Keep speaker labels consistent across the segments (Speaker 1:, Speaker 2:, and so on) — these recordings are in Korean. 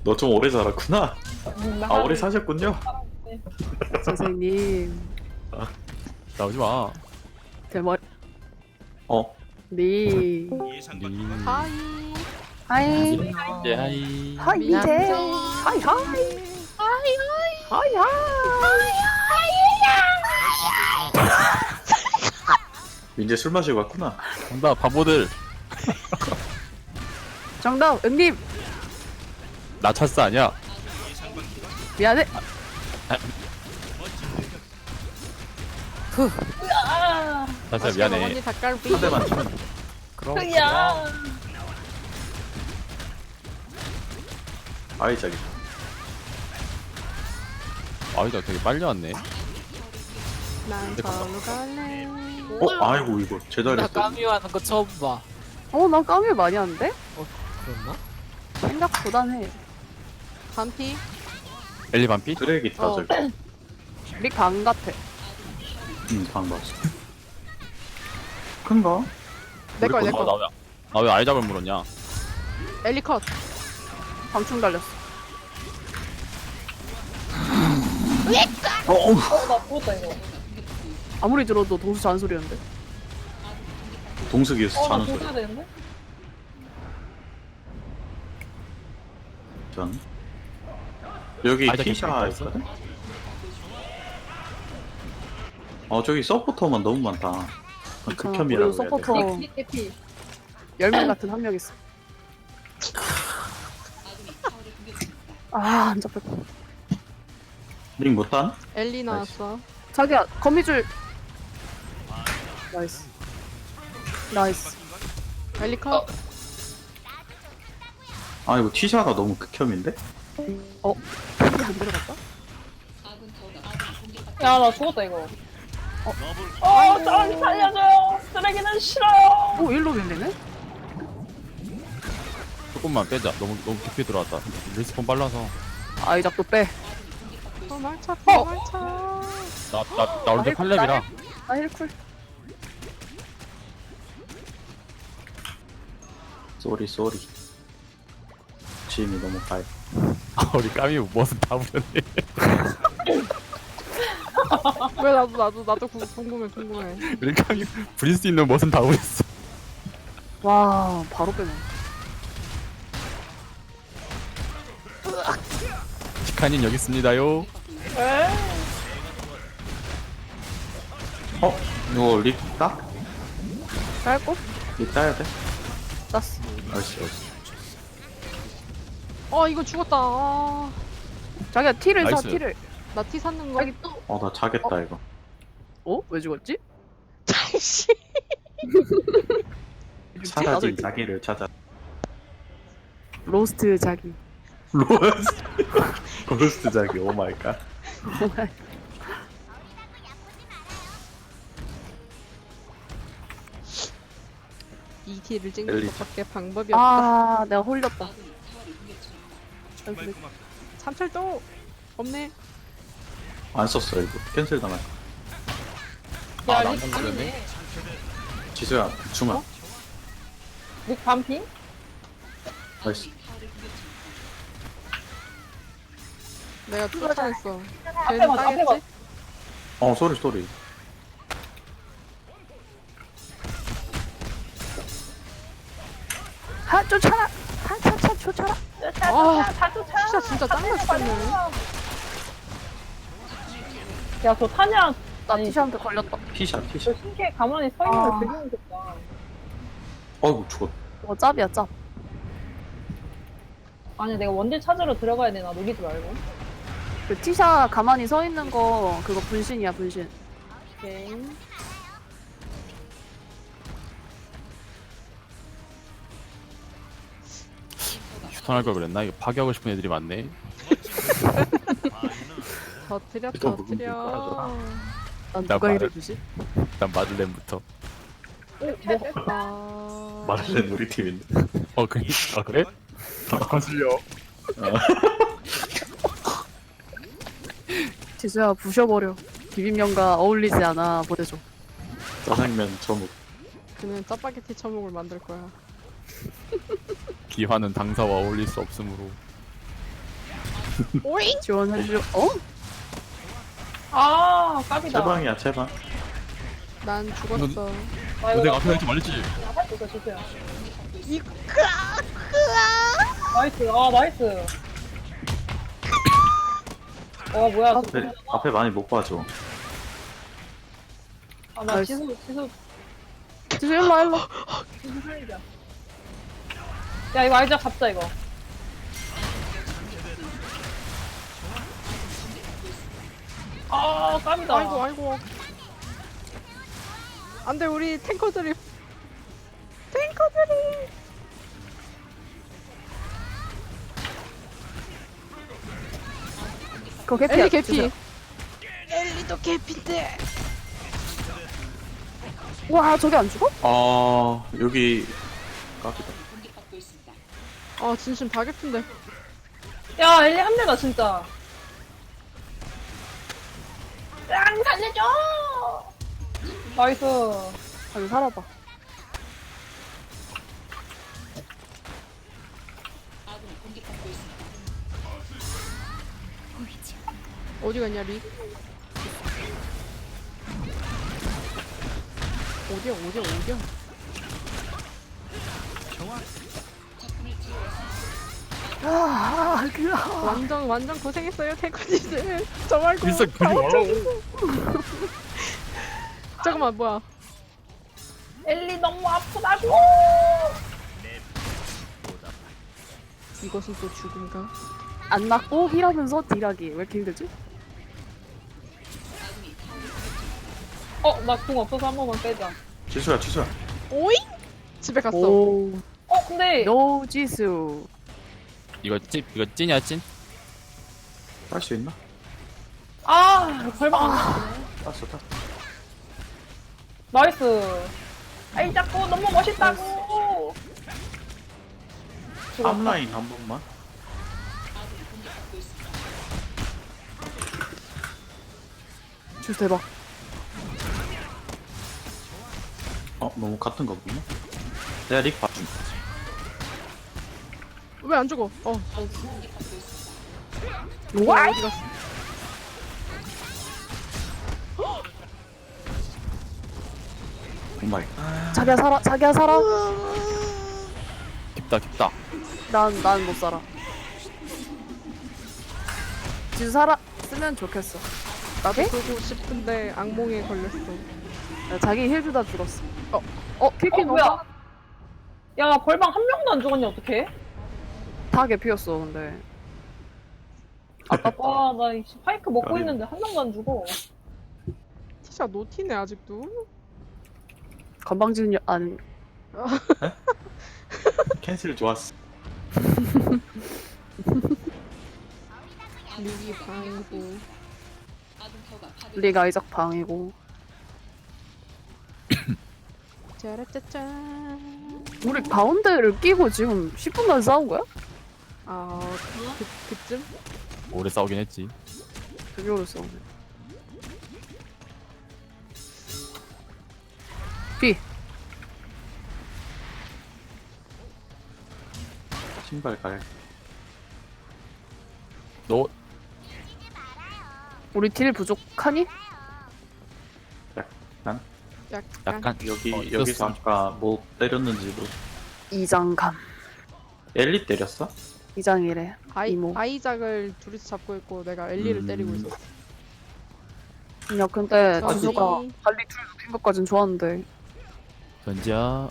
Speaker 1: 너 좀 오래 살았구나. 아 오래 사셨군요.
Speaker 2: 선생님
Speaker 3: 나오지 마.
Speaker 2: 대머리
Speaker 1: 어
Speaker 2: 니
Speaker 4: 하이.
Speaker 2: 하이
Speaker 3: 예, 하이.
Speaker 2: 하이 미제 하이 하이 하이
Speaker 1: 민재 술 마시고 왔구나.
Speaker 3: 정답, 바보들.
Speaker 2: 정답 응님
Speaker 3: 나 찰스 아니야.
Speaker 2: 미안해
Speaker 3: 찰스 미안해.
Speaker 4: 언니 닭갈비.
Speaker 1: 한 대만 치면.
Speaker 3: 그럼.
Speaker 1: 아이 자기.
Speaker 3: 아이다 되게 빨리 왔네.
Speaker 4: 난 절로 갈래.
Speaker 1: 아이고 이거
Speaker 5: 나
Speaker 1: 제자리했어.
Speaker 5: 까미하는 거 처음 봐.
Speaker 2: 나 까미 많이 하는데?
Speaker 5: 그랬나?
Speaker 2: 생각보단 해
Speaker 4: 반피.
Speaker 3: 엘리 반피?
Speaker 1: 쓰레기 다
Speaker 4: 어.
Speaker 1: 저기.
Speaker 2: 릭방 같아
Speaker 1: 방 봤어. 큰가?
Speaker 4: 내거
Speaker 1: 우리
Speaker 4: 내거.
Speaker 3: 나왜 아이작을 물었냐?
Speaker 4: 엘리컷.
Speaker 2: 방충 달렸어 아무리 들어도 동수 잔소리였는데
Speaker 1: 동석이었어 자는 소리. 전 여기
Speaker 3: 아이작
Speaker 1: 티샤
Speaker 3: 개꿀
Speaker 1: 있거든? 저기 서포터만 너무 많다. 극혐이라고
Speaker 2: 그리고
Speaker 1: 해야 돼.
Speaker 2: 서포터 10명 같은 한 명 있어 안 잡혔다
Speaker 1: 링 못한?
Speaker 4: 엘리 나왔어.
Speaker 2: 자기야 거미줄 나이스 나이스
Speaker 4: 엘리컷.
Speaker 1: 아 이거 티샤가 너무 극혐인데?
Speaker 2: 이게 안 들어갔다?
Speaker 6: 야, 나 죽었다, 이거. 저기 살려줘요! 쓰레기는 싫어요!
Speaker 2: 일로 밀리네?
Speaker 3: 조금만 빼자. 너무 깊게 들어왔다. 리스폰 빨라서.
Speaker 2: 아이작도 빼
Speaker 4: 도말차 도말차.
Speaker 3: 나 원래 8렙이라.
Speaker 2: 나 힐쿨
Speaker 1: 쏘리 짐이 너무 가요.
Speaker 3: 우리 까미 무엇은 다 부렸네.
Speaker 4: 왜 나도 궁금해.
Speaker 3: 우리 까미 부릴 수 있는 무엇은 다 부렸어.
Speaker 2: 와 바로 빼네
Speaker 3: 치카님 여기 있습니다요.
Speaker 1: 이거 릭 따?
Speaker 2: 짧고?
Speaker 1: 릭 따야 돼?
Speaker 2: 땄어
Speaker 1: 알았어.
Speaker 4: 이거 죽었다.
Speaker 2: 자기야 티를 사
Speaker 3: 나이스.
Speaker 2: 티를
Speaker 4: 나 티 샀는 거.
Speaker 2: 자기 또
Speaker 1: 나 자겠다 이거.
Speaker 2: 왜 죽었지?
Speaker 1: 사라진 자기를 찾아.
Speaker 2: 로스트 자기
Speaker 1: 고스트 자기 오 마이 갓.
Speaker 4: 이 티를 찍는
Speaker 1: 엘리.
Speaker 4: 것밖에 방법이 없다.
Speaker 2: 내가 홀렸다
Speaker 4: 삼철도 없네.
Speaker 1: 안 썼어 이거. 캔슬 당할.
Speaker 6: 야,
Speaker 3: 나
Speaker 6: 릭 반이네.
Speaker 1: 지수야 중아.
Speaker 6: 릭 반피?
Speaker 1: 나이스.
Speaker 4: 내가 쫓아냈어.
Speaker 6: 앞에
Speaker 4: 걔는
Speaker 6: 봐, 앞에 봐.
Speaker 4: 따겠지?
Speaker 1: 쏘리.
Speaker 2: 쫓아라 쫓아라
Speaker 4: 아, 진짜 짱나 죽겠네.
Speaker 6: 야, 저 타냐.
Speaker 2: 나
Speaker 6: 아니,
Speaker 2: 티샤한테 걸렸다
Speaker 1: 티샤.
Speaker 6: 저 신기해 가만히 서 있는 거
Speaker 2: 아.
Speaker 6: 되게 무섭다.
Speaker 1: 어이구 죽었.
Speaker 2: 짭이야 짭
Speaker 6: 아니, 내가 원딜 찾으러 들어가야 되나, 녹이지 말고.
Speaker 2: 그 티샤 가만히 서 있는 거 그거 분신이야 분신
Speaker 6: 오케이.
Speaker 3: 휴턴할 걸 그랬나? 이거 파괴하고 싶은 애들이 많네.
Speaker 4: 터트려.
Speaker 1: 이거 묵은 게 깔아줘라.
Speaker 2: 난
Speaker 3: 나
Speaker 2: 누가
Speaker 3: 말을-
Speaker 2: 이래주지?
Speaker 3: 일단 마들렌부터.
Speaker 4: 아,
Speaker 1: 말할래 우리 팀인데.
Speaker 3: 그래? 거슬려.
Speaker 2: 지수야 부셔버려 비빔면과 어울리지 않아 보내줘
Speaker 1: 짜장면 저묵.
Speaker 4: 그는 짜파게티 처먹을 만들 거야.
Speaker 3: 기화는 당사와 어울릴 수 없으므로.
Speaker 2: 지원해줘. 어?
Speaker 6: 아, 깝이다.
Speaker 1: 제방이야 제방.
Speaker 4: 난 죽었어.
Speaker 6: 아,
Speaker 3: 내가
Speaker 6: 이거
Speaker 3: 앞에 할지 말랬지.
Speaker 6: 할수 있어, 주세요. 나이스, 아, 나이스. 뭐야,
Speaker 1: 앞에 많이 못 봐줘.
Speaker 6: 아, 나
Speaker 2: 나이스.
Speaker 6: 지수
Speaker 2: 지수 일로 와, 일로.
Speaker 6: 살리자. 야, 이거 알자, 잡자, 이거. 아, 깝이다.
Speaker 4: 아이고. 안돼 우리 탱커들이.
Speaker 2: 그거 개피야.
Speaker 4: 엘리 개피.
Speaker 2: 지수야.
Speaker 4: 엘리도 개피인데.
Speaker 2: 와, 저게 안 죽어?
Speaker 1: 여기 깝이다.
Speaker 4: 아 진심 다 개피인데.
Speaker 6: 야, 엘리 한 대다, 진짜. 짱, 살려줘! 나이스.
Speaker 2: 아니, 살아봐.
Speaker 4: 어디 갔냐 리? 어디야?
Speaker 2: 아, 그래.
Speaker 4: 완전 고생했어요 탱커님들. 저 말고
Speaker 3: 일상
Speaker 4: 다
Speaker 3: 그리 말라고.
Speaker 4: 잠깐만 뭐야?
Speaker 6: 엘리 너무 아프다고!
Speaker 4: 이것은 또 죽음가?
Speaker 2: 안 맞고 힐하면서 딜하기. 왜 이렇게 힘들지?
Speaker 6: 나 궁 없어서 한 번만 빼자.
Speaker 1: 지수야.
Speaker 4: 오잉? 집에 갔어.
Speaker 2: 오,
Speaker 6: 근데,
Speaker 2: 노 지수.
Speaker 3: 이거 찐이야 찐?
Speaker 1: 딸 수 있나?
Speaker 6: 벌방 안 돼.
Speaker 1: 땄어.
Speaker 6: 나이스. 아이, 자꾸 너무 멋있다고! 죽었다.
Speaker 1: 앞라인 한 번만.
Speaker 2: 지수 대박.
Speaker 1: 너무 같은 거구나. 내가 릭 봐준.
Speaker 4: 왜 안 죽어?
Speaker 2: 와!
Speaker 4: 어디 갔어?
Speaker 1: 오마이.
Speaker 2: 자기야 살아.
Speaker 3: 깊다.
Speaker 2: 난 못 살아. 지수 살았으면 좋겠어.
Speaker 4: 나도 쏘고 싶은데 악몽에 걸렸어.
Speaker 2: 야, 자기 힐 주다 죽었어. 킬킬 너무
Speaker 6: 뭐야? 야, 벌방 한 명도 안 죽었냐, 어떡해?
Speaker 2: 다 개피였어, 근데.
Speaker 6: 와, 나 이 파이크 먹고
Speaker 1: 아니.
Speaker 6: 있는데 한 명도 안 죽어.
Speaker 4: 티샤 노티네 아직도.
Speaker 2: 건방진 아니.
Speaker 1: 캔슬 좋았어.
Speaker 4: 리기 방구.
Speaker 2: 리가 아이작 방이고.
Speaker 4: 짜라짜짠.
Speaker 2: 우리 가운데를 끼고 지금 10분간 싸운 거야?
Speaker 4: 그쯤?
Speaker 3: 오래 싸우긴 했지.
Speaker 2: 되게 오래 싸우네. B.
Speaker 1: 신발 갈.
Speaker 3: 너
Speaker 2: 우리 딜 부족하니?
Speaker 3: 약간
Speaker 1: 여기서
Speaker 3: 있었어.
Speaker 1: 아까 뭐 때렸는지도.
Speaker 2: 이장감.
Speaker 1: 엘리 때렸어?
Speaker 2: 이장이래. 이모.
Speaker 4: 아이작을 둘이서 잡고 있고 내가 엘리를 때리고 있었어.
Speaker 2: 야, 근데
Speaker 4: 저기.
Speaker 2: 지수가 발리 둘 눕힌 것까진 좋았는데.
Speaker 3: 전지야.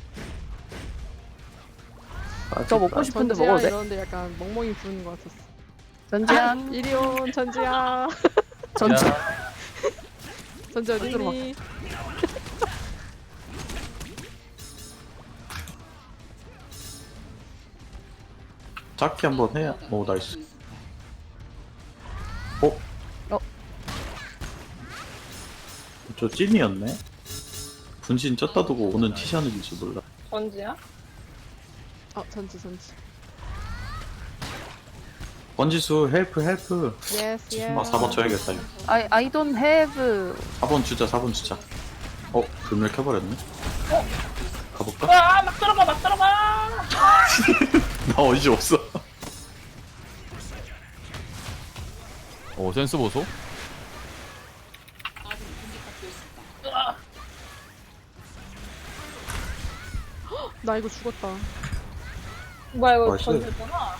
Speaker 2: 저 먹고 싶은데
Speaker 4: 전지야
Speaker 2: 먹어도 돼?
Speaker 4: 이러는데 약간 멍멍이 부르는 것 같았어.
Speaker 2: 전지야.
Speaker 4: 이리 온 전지야.
Speaker 2: 전지.
Speaker 4: 전지 어디
Speaker 2: 들어봐.
Speaker 4: 있니?
Speaker 1: 잡기 한번 해야. 오 나이스. 저 찐이었네. 분신 쪘다 두고 오는 티샤는지 몰라.
Speaker 6: 언제야?
Speaker 4: 전지.
Speaker 1: 번지수 헬프.
Speaker 4: 예스
Speaker 1: 지수마 4번 줘야겠다. 이거.
Speaker 2: I don't have.
Speaker 1: 4번 주자. 불멸 켜버렸네. 가볼까?
Speaker 6: 와, 막 들어가!
Speaker 1: 나 어디 없어.
Speaker 3: 오 센스 보소.
Speaker 4: 나 이거 죽었다.
Speaker 6: 뭐야 이거
Speaker 1: 맛있어요.
Speaker 6: 던졌구나.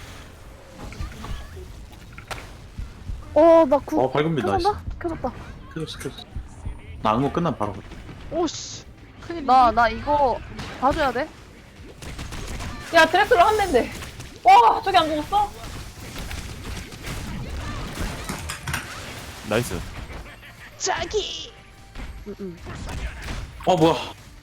Speaker 2: 나 구.
Speaker 1: 밝은빛 나이스.
Speaker 2: 켜졌나? 켜졌다.
Speaker 1: 켜졌어. 나 악몽 끝나면 바로 갈게.
Speaker 4: 오씨. 큰일.
Speaker 2: 나 이거 봐줘야 돼.
Speaker 6: 야 드렉슬러 한 대인데. 와 저기 안 죽었어?
Speaker 3: 나이스.
Speaker 4: 자기.
Speaker 2: 응.
Speaker 1: 뭐야.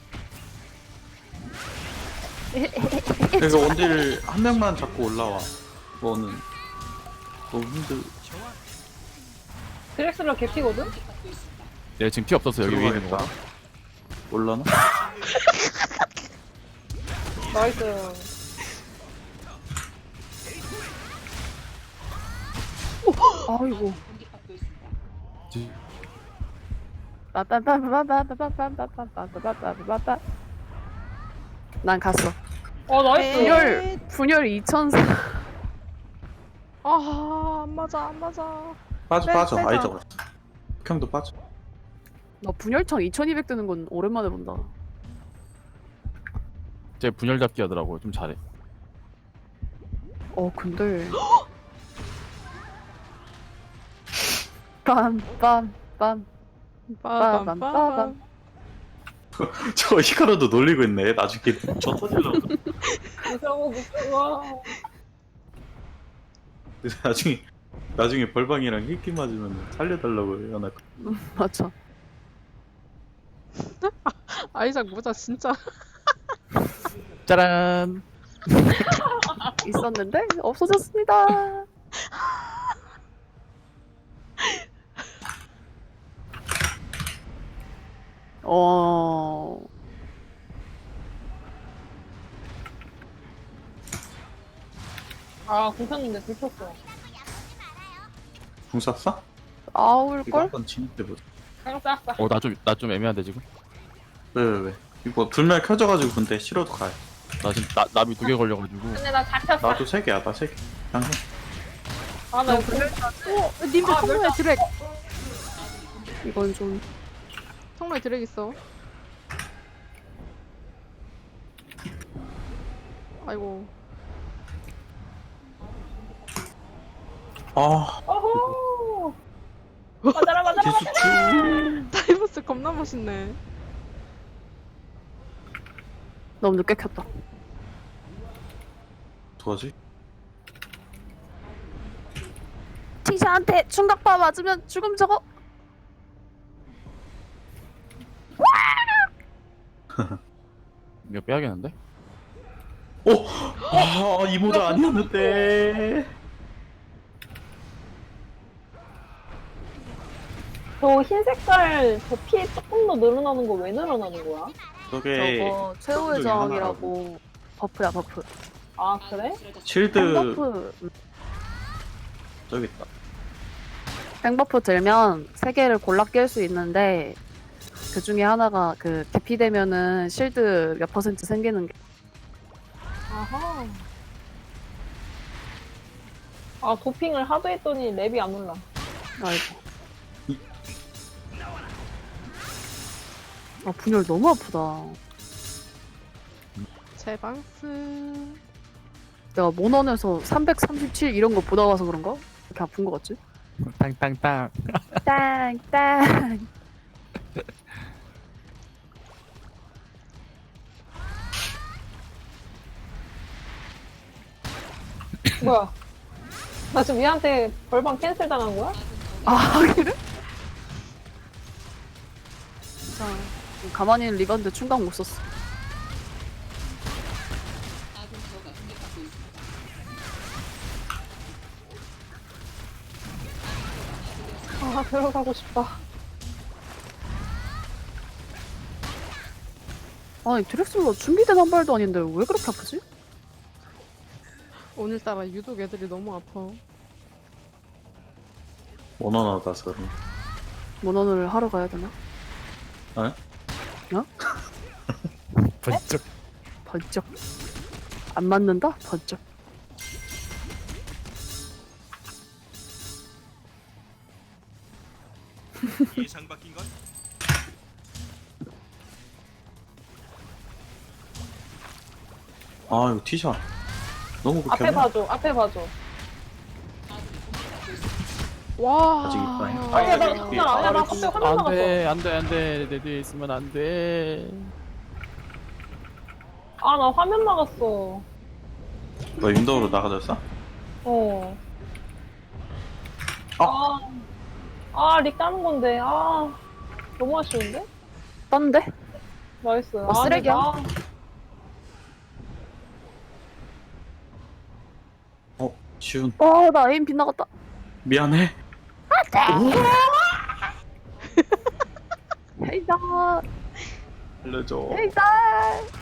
Speaker 1: 그래서 원딜 한 명만 잡고 올라와. 너는 너무 힘들.
Speaker 6: 드렉슬러 개피거든?
Speaker 3: 얘 지금 피 없었어 여기 위에 있는 거.
Speaker 1: 들어가겠다. 올라나?
Speaker 6: 나이스.
Speaker 2: 아이고. 빠빠빠빠빠빠빠빠빠빠빠빠빠빠빠. 난 갔어.
Speaker 6: 나이스.
Speaker 2: 분열 2004.
Speaker 4: 안 맞아 안 맞아.
Speaker 1: 빠져.
Speaker 4: 빼자.
Speaker 1: 아이 잡았어. 형도 빠져.
Speaker 2: 나 분열창 2200 뜨는 건 오랜만에 본다.
Speaker 3: 쟤 분열 잡기 하더라고. 좀 잘해.
Speaker 2: 근데 빰빰빰
Speaker 4: 빠밤빠밤.
Speaker 1: 저 히카루도 놀리고 있네. 나중에 저 터질라고.
Speaker 6: 무서워.
Speaker 1: 나중에 벌방이랑 힐기 맞으면 살려달라고 해요. 나
Speaker 2: 맞아.
Speaker 4: 아이작 모자 진짜.
Speaker 3: 짜란.
Speaker 2: 있었는데 없어졌습니다.
Speaker 6: 공쳤는데 들켰어.
Speaker 1: 궁 쐈어? 이거
Speaker 2: 아울걸?
Speaker 1: 한번 진입해보자.
Speaker 6: 깡
Speaker 3: 나 좀 애매한데 지금.
Speaker 1: 왜? 이거 불멸 켜져가지고 근데 싫어도 가요.
Speaker 3: 나 지금 나비 2개 걸려가지고.
Speaker 6: 근데 나 잡혔어.
Speaker 1: 나도 3개야. 나 3개. 그냥 해.
Speaker 6: 나 이거
Speaker 4: 님들 통로에 드랙.
Speaker 2: 이건 좀
Speaker 4: 통로에 드랙 있어. 아이고.
Speaker 6: 어호. 맞아라.
Speaker 1: 기수추.
Speaker 4: 다이버스 겁나 멋있네.
Speaker 2: 너무 늦게 켰다.
Speaker 1: 도와지?
Speaker 2: 티샤한테 충격파 맞으면 죽음 저거.
Speaker 3: 이거 빼야겠는데?
Speaker 1: 이 모자 아니었는데.
Speaker 6: 저 흰 색깔 저 피 조금 더 늘어나는 거 왜 늘어나는 거야?
Speaker 1: 저게
Speaker 2: 저거 최후의
Speaker 1: 중에
Speaker 2: 저항이라고. 버프야 버프.
Speaker 6: 아 그래?
Speaker 1: 실드
Speaker 2: 땡버프.
Speaker 1: 저기 있다.
Speaker 2: 땡버프 들면 3개를 골라 낄 수 있는데 그 중에 하나가 그 대피되면은 실드 몇 % 생기는 게.
Speaker 6: 아하. 도핑을 하도 했더니 랩이 안 올라.
Speaker 2: 아이고. 분열 너무 아프다.
Speaker 4: 제방스.
Speaker 2: 내가 모넌에서 337 이런 거 보다 와서 그런가? 이렇게 아픈 거 같지?
Speaker 3: 땅땅땅.
Speaker 2: 땅땅.
Speaker 6: 뭐야? 나 지금 얘한테 벌방 캔슬 당한 거야?
Speaker 2: 그래? 자, 가만히 있는 리반드 충각 못 썼어.
Speaker 6: 들어가고 싶다.
Speaker 2: 아니 드렉슬러 준비된 한 발도 아닌데 왜 그렇게 아프지?
Speaker 4: 오늘따라 유독 애들이 너무 아파.
Speaker 1: 원원하다서 그런.
Speaker 2: 모넌을 하러 가야 되나?
Speaker 3: 번쩍.
Speaker 2: 번쩍. 안 맞는다? 번쩍.
Speaker 1: 아 이거 티샷 너무
Speaker 6: 앞에
Speaker 1: 극혐이야.
Speaker 6: 봐줘, 앞에 봐줘.
Speaker 4: 와.
Speaker 1: 아직 있다.
Speaker 6: 아니야, 나
Speaker 1: 여기
Speaker 6: 진짜 아니야. 나 갑자기 화면 나갔어.
Speaker 3: 안돼 내 뒤에 있으면 안돼.
Speaker 6: 아, 나 화면 나갔어.
Speaker 1: 너 윈도우로 나가졌어?
Speaker 6: 어. 릭 따는 건데. 아, 너무 아쉬운데?
Speaker 2: 떴는데?
Speaker 6: 나이스.
Speaker 2: 쓰레기야?
Speaker 1: 지훈
Speaker 2: 나 에임 빗나갔다.
Speaker 1: 미안해.
Speaker 2: 헤이다.
Speaker 1: 알려줘.
Speaker 2: 헤이다.